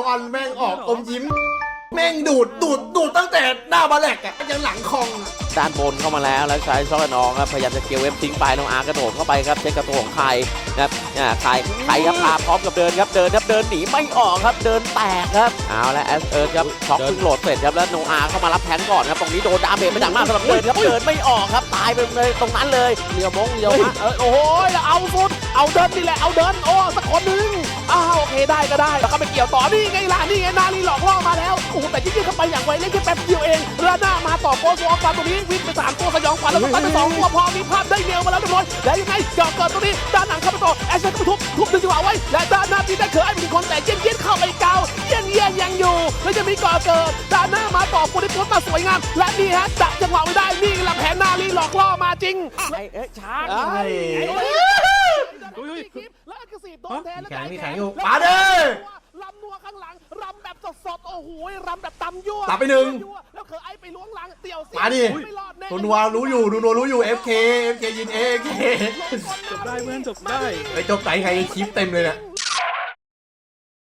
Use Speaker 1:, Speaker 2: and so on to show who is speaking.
Speaker 1: อนแม่งออกอมยิ้มแม่งดูดตั้งแต่หน้าบาแลกอ่ะยังหลังคอง
Speaker 2: ด้านบนเข้ามาแล้วแล้วใช้ช็อตน้องครับพยายามจะเกี่ยวเว็บทิ้งไปน้องอาร์กระโดดเข้าไปครับเช็คกระตัวของใครนะครับใครครับพาพร้อมกับเดินครับเดินหนีไม่ออกครับเดินแตกครับเอาแล้วแอสเอิร์ธครับช็อกเพิ่งโหลดเสร็จครับแล้วโนอาร์เข้ามารับแทงก่อนครับตรงนี้โดนดาเมจไปดังมากสำหรับเดินครับเดินไม่ออกครับตายไปเลยตรงนั้นเลยเลี้ยวมงเลี้ยวมา
Speaker 3: โอ้โหแล้วเอาสุดเอาเดินนี่แหละเอาเดินโอ้สักคนนึงโอเคได้ก็ได้แล้วก็ไปเกี่ยวต่อนี่ไงล่ะนี่ไงนาลีหลอกล่อมาแล้วโอ้โหแต่ยิ่งเข้าไปอย่างไวเล่นแค่แป๊บเดียวเองเรือหน้ามาต่อโกสวอฟันตรงนี้วิ่งไป3ตัวสยองขวัญแล้วก็ตั้งไป2ตัวพอมีภาพได้เนวมาแล้วทุกคนแล้วยังไงเกิดตรงนี้ด้านหลังเข้าไปต่อแอชเชนก็ทุบดึงจังหวะไว้และด้านหน้าที่ได้เขือไอ้เป็นคนแต่เย็นเข้าไปเกาเย็นยังอยู่แล้วจะมีก่อเกิดด้านหน้ามาต่อปุริพุทธมาสวยงามและนี่ฮะจับจังหวะไว้ได้นี่แหละแผนนาลีหลอกล่อมาจริงช้าแล้วกระสีโดนแทนแล้ว
Speaker 1: แข็งอยู่มาเด้อ
Speaker 3: ลำนัวข้างหลังรำแบบสดโอ้โหรำแบบตำยั่ว
Speaker 1: ตับไปหนึ่ง
Speaker 3: แล้วเคยไอ้ไปล้วงหลังเตี่ยว
Speaker 1: มาดิตัวนัวรู้อยู่ FK ยิน AK
Speaker 4: จบได้เพื่อนจบได้
Speaker 1: ไปจบไก่ใครคลิปเต็มเลยเนี่ย